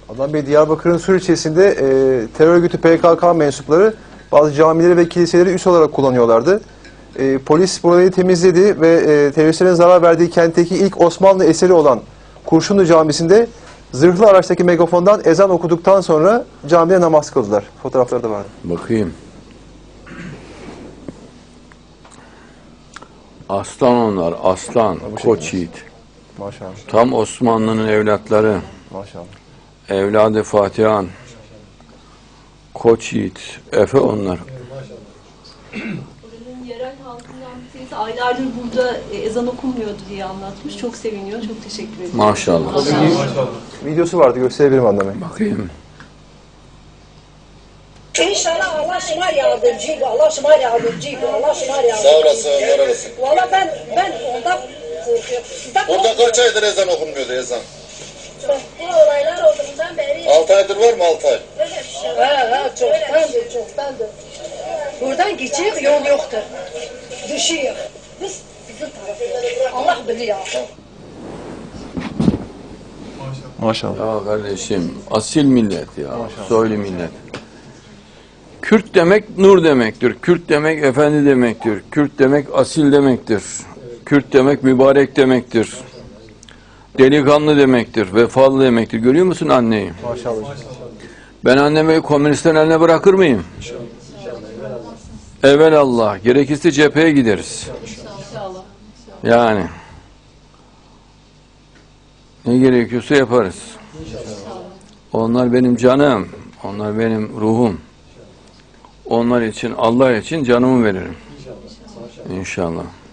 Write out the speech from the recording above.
Adnan Bey, Diyarbakır'ın Sur ilçesinde terör örgütü PKK mensupları bazı camileri ve kiliseleri üs olarak kullanıyorlardı. Polis burayı temizledi ve teröristlerin zarar verdiği kentteki ilk Osmanlı eseri olan Kurşunlu Camisi'nde zırhlı araçtaki megafondan ezan okuduktan sonra camide namaz kıldılar. Fotoğrafları da vardı. Bakayım. Aslan onlar, aslan, koç yiğit. Maşallah. Tam Osmanlı'nın evlatları. Maşallah. Evladı Fatihan. Koç yiğit. Efe onlar. Buranın yerel halkından bir tanesi aylardır burada ezan okunmuyordu diye anlatmış. Çok seviniyor. Çok teşekkür ederim. Maşallah. Videosu vardı, gösterebilirim Adnan Bey. Bakayım. İnşallah Allah şıma yardımcıydı, Allah şıma yardımcıydı, Allah şıma yardımcıydı. Sağ olasın, var olasın. Valla ben ondan korkuyorum. Burada kaç aydır ezan okunmuyordu ezan? Bu olaylar olduğundan beri 6 aydır var mı 6 ay? böyle bir şey var. Çoktandır, çoktandır. Buradan geçecek yol yoktur. Düşüyor. Bizim tarafımız. Allah biliyor. Maşallah. Ya kardeşim, asil millet ya. Soylu millet. Kürt demek nur demektir. Kürt demek efendi demektir. Kürt demek asil demektir. Kürt demek mübarek demektir. Delikanlı demektir. Vefalı demektir. Görüyor musun anneyi? Maşallah. Ben annemi komünistlerin eline bırakır mıyım? Evelallah. Gerekirse cepheye gideriz. Yani. Ne gerekiyorsa yaparız. Onlar benim canım. Onlar benim ruhum. Onlar için, Allah için canımı veririm. İnşallah.